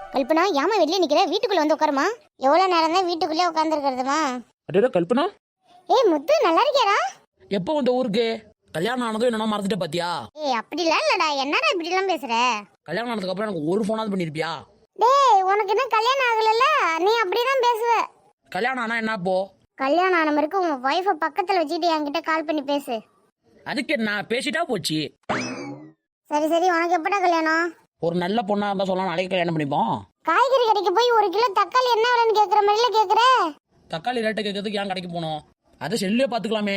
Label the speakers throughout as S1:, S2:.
S1: கல்பனா ஏமா வெளியே நிக்கிற? வீட்டுக்குள்ள வந்து உட்காருமா. எவ்வளவு நேரம் தான் வீட்டுக்குள்ளே உட்காந்துருக்கிறதுமா?
S2: அடடா கல்பனா,
S1: ஏய் முத்து, நல்லா இருக்கியாடா?
S2: எப்போ வந்த ஊருக்கு? கல்யாணம் ஆனதும் என்னன்னா மறந்துட்ட பாத்தியா?
S1: ஏய் அப்படிலாம் இல்லடா, என்னடா இப்படி எல்லாம் பேசுற?
S2: கல்யாணம் ஆனதுக்கு அப்புறம் எனக்கு ஒரு ஃபோனாவது பண்ணிருப்பியா?
S1: டேய் உனக்கு என்ன கல்யாணம் ஆகலல்ல, நீ அப்படிதான் பேசுவ.
S2: கல்யாணம் ஆனா என்ன போ?
S1: கல்யாணம் ஆன மாதிரி உன் வைஃபை பக்கத்துல வச்சுட்டு என்கிட்ட கால் பண்ணி பேசு.
S2: அதுக்கு நான் பேசிட்டா போச்சு.
S1: சரி சரி, உனக்கு எப்படா கல்யாணம்?
S2: ஒரு நல்ல பொண்ணா இருந்தா சொல்லலாம், நாளைக்கு கல்யாணம் பண்ணிப்போம்.
S1: காய்கறி கடைக்கு போய் 1 கிலோ தக்காளி என்ன விலைன்னு கேக்குற மாதிரில கேக்குற.
S2: தக்காளி ரேட்டு கேட்கறதுக்கு ஏன் கடைக்கு போனோம்? அதை செல்லே பாத்துக்கலாமே.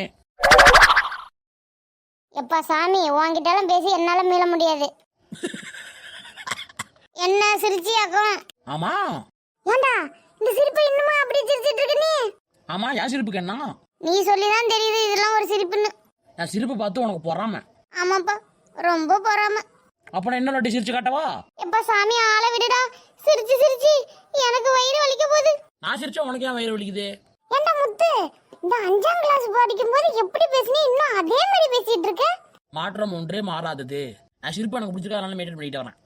S1: எப்பா சாமி, உன்கிட்டலாம் பேசி என்னால மீள முடியாது. என்ன சிரிச்சியாக்கும்?
S2: ஆமா.
S1: ஏண்டா இந்த சிரிப்பு இன்னுமா அப்படியே சிரிச்சிட்டு இருக்க நீ?
S2: ஆமா, என் சிரிப்புக்கு என்ன?
S1: நீ சொல்லிதான் தெரியுது இதெல்லாம் ஒரு சிரிப்புன்னு.
S2: என் சிரிப்பு பார்த்து உனக்கு பொறாம?
S1: ஆமாப்பா, ரொம்ப பொறாம.
S2: அப்ப நான் இன்னொரு வாட்டி சிரிச்சு காட்டவா?
S1: எப்பா சாமி, ஆள விடுடா. சிரிச்சு சிரிச்சு எனக்கு வயிறு வலிக்க போகுது.
S2: நான் சிரிச்சா உனக்கு ஏன் வயிறு வலிக்குது?
S1: ஏண்டா முத்து, இந்த 5ஆம் கிளாஸ் படிக்கும் போது எப்படி பேசினே இன்னும் அதே மாதிரி பேசிட்டு இருக்க?
S2: மாற்றம் ஒன்றே மாறாதது. நான் சிரிப்பு எனக்கு பிடிச்சிருக்கா, அதனால மெயின்டைன் பண்ணிட்டு வரேன்.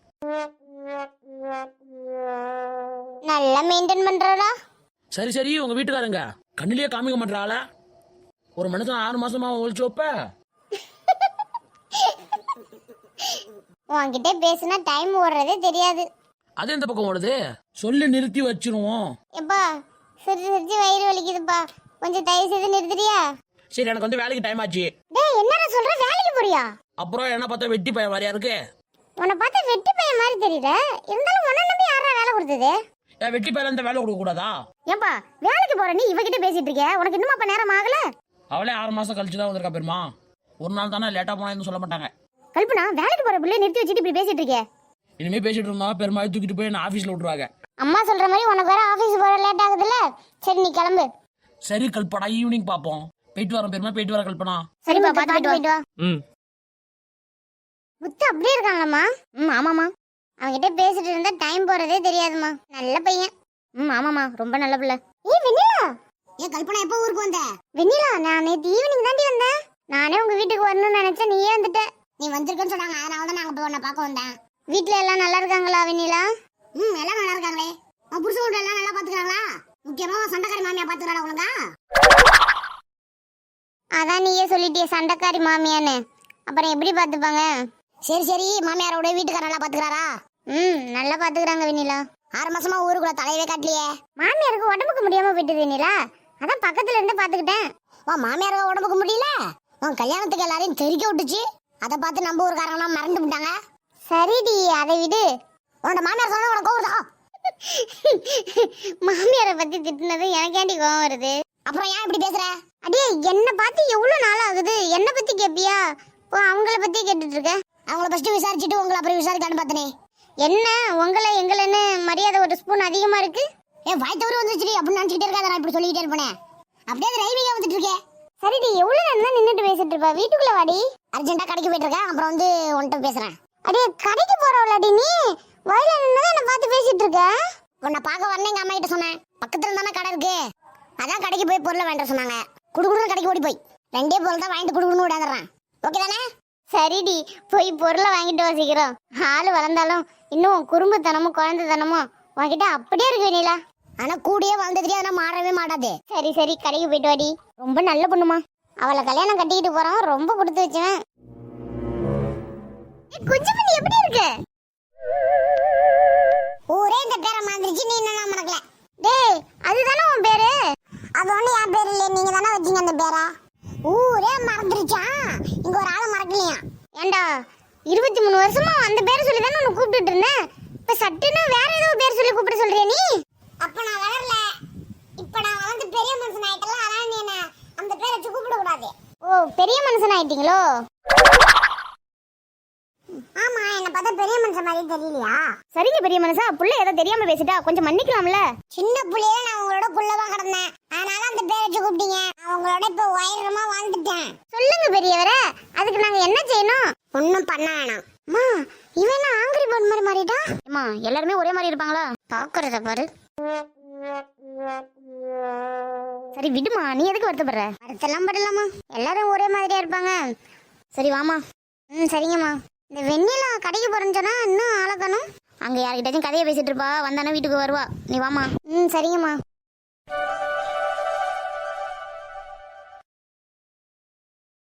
S1: நல்லா மெயின்டைன் பண்றடா.
S2: சரி சரி, உங்க வீட்டுக்காரங்க கண்ணிலேயே காமிக்க மாட்டாள. ஒரு மனுஷன் 6 மாசமா ஒழிச்சு வைப்ப.
S1: உன்கிட்ட பேசினா டைம் ஓடுறதே தெரியாது.
S2: அது எந்த பக்கம் ஓடுது? சொல்லி நிறுத்தி வச்சிருவோம்.
S1: எப்பா சிரிச்சு சிரிச்சு வயிறு வலிக்குதுப்பா, கொஞ்சம் தயவு செய்து நிறுத்துறியா?
S2: சரி, எனக்கு வந்து வேலைக்கு டைம் ஆச்சு.
S1: டேய் என்னடா சொல்ற, வேலைக்கு போறியா?
S2: அப்புறம் என்ன பார்த்தா வெட்டி பையன் மாதிரியா இருக்கு?
S1: உன்னை பார்த்தா வெட்டி பையன் மாதிரி தெரியல, இருந்தாலும் உன்னை நம்பி யாரா வேலை கொடுத்தது?
S2: ஏன் வெட்டி பையன் இந்த வேலை கொடுக்க கூடாதா?
S1: ஏன்பா வேலைக்கு போற நீ இவகிட்ட பேசிட்டு இருக்க? உனக்கு இன்னும் அப்ப நேரம் ஆகல?
S2: அவளே 6 மாசம் கழிச்சு தான் வந்திருக்கா பெருமா. ஒரு நாள் தானே லேட்டா போனா சொல்ல மாட்டாங்க.
S1: கல்பனா, வேலைக்கு போற பிள்ளை நிறுத்தி வச்சுட்டு இப்படி பேசிட்டு இருக்க?
S2: இனிமே பேசிட்டு இருந்தா பெருமாள் தூக்கிட்டு போய் நான் ஆபீஸ்ல விட்டுருவாங்க.
S1: அம்மா சொல்ற மாதிரி உனக்கு வேற ஆபீஸ் போற லேட் ஆகுதுல்ல. சரி நீ கிளம்பு.
S2: சரி கல்பனா, ஈவினிங் பாப்போம். போயிட்டு வரேன் பெருமா, போயிட்டு வர கல்பனா.
S1: சரிப்பா, பாத்து போயிட்டு வா.
S2: ம்.
S1: முத்து அப்படியே இருக்காங்களம்மா? ஆமாமா. அவன்கிட்ட பேசிட்டு இருந்தா டைம் போறதே தெரியாதுமா. நல்ல பையன். ஆமாமா, ரொம்ப நல்ல பிள்ளை. ஏய் வெண்ணிலா. ஏ கல்பனா, எப்போ ஊருக்கு வந்த? வெண்ணிலா, நான் நேத்து ஈவினிங் தாண்டி வந்தேன். நானே உங்க வீட்டுக்கு வரணும்னு நினைச்சேன், நீயே வந்துட்ட. நீ வந்திருக்கன்னு சொன்னாங்க, அதனால தான் நாங்க போய் உன்னை பார்க்க வந்தேன். வீட்ல எல்லாம் நல்லா இருக்காங்களா வெண்ணிலா? எல்லாம் நல்லா இருக்காங்களே. உன் புருஷன் கூட எல்லாம் நல்லா பாத்துக்கறாங்களா? முக்கியமா சண்டைக்காரி மாமியா பாத்துக்கறாளா ஒழுங்கா? அதான் நீயே சொல்லிட்டியே சண்டைக்காரி மாமியான்னு, அப்புறம் எப்படி பாத்துப்பாங்க? சரி சரி, மாமியாரோட வீட்டுக்கார நல்லா பாத்துக்கறாரா? நல்லா பாத்துக்கறாங்க வெண்ணிலா. 6 மாசமா ஊருக்குள்ள தலையவே காட்டலையே. மாமியாருக்கு உடம்புக்கு முடியாம போயிட்டு வெண்ணிலா, அதான் பக்கத்துல இருந்து பாத்துக்கிட்டேன். மாமியாருக்கு உடம்புக்கு முடியல, உன் கல்யாணத்துக்கு எல்லாரையும் தெரிக்க விட்டுச்சு. அதை பார்த்து நம்ம ஊருக்காரங்களாம் மறந்து விட்டாங்க. சரிடி, அதை விடு. உன்னோட மாமியார் சொன்னா உனக்கு கோவம் வருதா? மாமியாரை பத்தி திட்டுனது எனக்கு ஏன்டி கோவம் வருது? அப்புறம் ஏன் இப்படி பேசுற? அடே என்ன பார்த்து எவ்வளவு நாள் ஆகுது, என்ன பத்தி கேப்பியா? அவங்கள பத்தி கேட்டுட்டு இருக்க. அவங்கள ஃபர்ஸ்ட் விசாரிச்சுட்டு உங்களை அப்புறம் விசாரிக்கான்னு பார்த்தனே. என்ன உங்களை எங்களன்னு மரியாதை ஒரு ஸ்பூன் அதிகமா இருக்கு? ஏன் வாய் தவறு வந்துச்சு அப்படின்னு நினைச்சிட்டே இருக்காத. நான் இப்படி சொல்லிக்கிட்டே இருப்பேன். அப்படியே ரைவிங்க வந்துட்டு இருக்கேன். சரிடி, எவ்வளவு நேரம் தான் நின்னுட்டு பேசிட்டு இருப்பா? வீட்டுக்குள்ள வாடி. அர்ஜென்ட்டா கடைக்கு போயிட்டு இருக்கேன், அப்புறம் வந்து உன்கிட்ட பேசுறேன். அடே கடைக்கு போறவளாடி நீ? வயல நின்னு என்ன பார்த்து பேசிட்டு இருக்க? உன்னை பார்க்க வரணும் எங்க அம்மா கிட்ட சொன்னேன். பக்கத்துல தானே கடை இருக்கு, அதான் கடைக்கு போய் பொருளை வாங்கிட்டு சொன்னாங்க. குடுகுடுன்னு கடைக்கு ஓடி போய் 2 பொருள் தான் வாங்கிட்டு குடுகுடுன்னு ஓடியாந்துடுறேன். ஓகே தானே? சரிடி, போய் பொருளை வாங்கிட்டு வசிக்கிறோம். ஆளு வளர்ந்தாலும் இன்னும் குறும்புத்தனமும் குழந்தைத்தனமும் உன்கிட்ட அப்படியே இருக்கு வெண்ணிலா. ஆனா கூடயே வளர்ந்ததுக்கே அதெல்லாம் மாறவே மாட்டாது. சரி சரி, கடைக்கு போயிட்டு வாடி. ரொம்ப நல்ல பொண்ணுமா. அவளை கல்யாணம் கட்டிக்கிட்டு போறோம், ரொம்ப கொடுத்து வச்சவன். குஞ்சு பண்ணி எப்படி இருக்கு? ஊரே இந்த பேரை மாத்திருச்சு, நீ என்ன மறக்கல? டேய் அதுதானே உன் பேரு? அது ஒண்ணு என் பேரு இல்ல, நீங்க தானே வச்சீங்க அந்த பேரை. ஊரே மறந்துருச்சா? இங்க ஒரு ஆளை மறக்கலையா? ஏண்டா 23 வருஷமா அந்த பேரை சொல்லி தானே உன்னை கூப்பிட்டுட்டு இருந்தேன். இப்ப சட்டுன்னு வேற ஏதோ பேர் சொல்லி கூப்பிட சொல்றியா நீ? அப்ப நான் வளரல, இப்ப நான் வளர்ந்து பெரிய மனுஷன் ஆயிட்டல, அதனால நீ என்ன அந்த பேரை வச்சு கூப்பிட கூடாது. ஓ, பெரிய மனுஷன் ஆயிட்டீங்களோ? ஆமா, என்ன பார்த்தா பெரிய மனுஷன் மாதிரி தெரியலையா? சரிங்க பெரிய மனுஷா, புள்ள ஏதோ தெரியாம பேசிட்டா கொஞ்சம் மன்னிக்கலாம்ல. சின்ன புள்ளையில நான் உங்களோட புள்ளவா கிடந்தேன், அதனால அந்த பேரை வச்சு கூப்பிட்டீங்க. நான் உங்களோட இப்ப உயரமா வாழ்ந்துட்டேன். சொல்லுங்க பெரியவரே, அதுக்கு நாங்க என்ன செய்யணும்? ஒண்ணும் பண்ண வேணாம். அம்மா, இவன் ஆங்கிரி பேர்ட் மாதிரி மாறிட்டா? அம்மா, எல்லாருமே ஒரே மாதிரி இருப்பாங்களா? பாக்குறத பாரு. சரி விடுமா, நீ எதுக்கு வருத்தப்படுற? வருத்தெல்லாம் படலாமா, எல்லாரும் ஒரே மாதிரியா இருப்பாங்க. சரி வாமா. சரிங்கம்மா. இந்த வெண்ணிலா கடைக்கு போறேன்னு சொன்னா இன்னும் ஆளக்கணும். அங்க யார்கிட்டயும் கதையை பேசிட்டு இருப்பா, வந்தானே வீட்டுக்கு வருவா. நீ வாமா. ம் சரிங்கம்மா.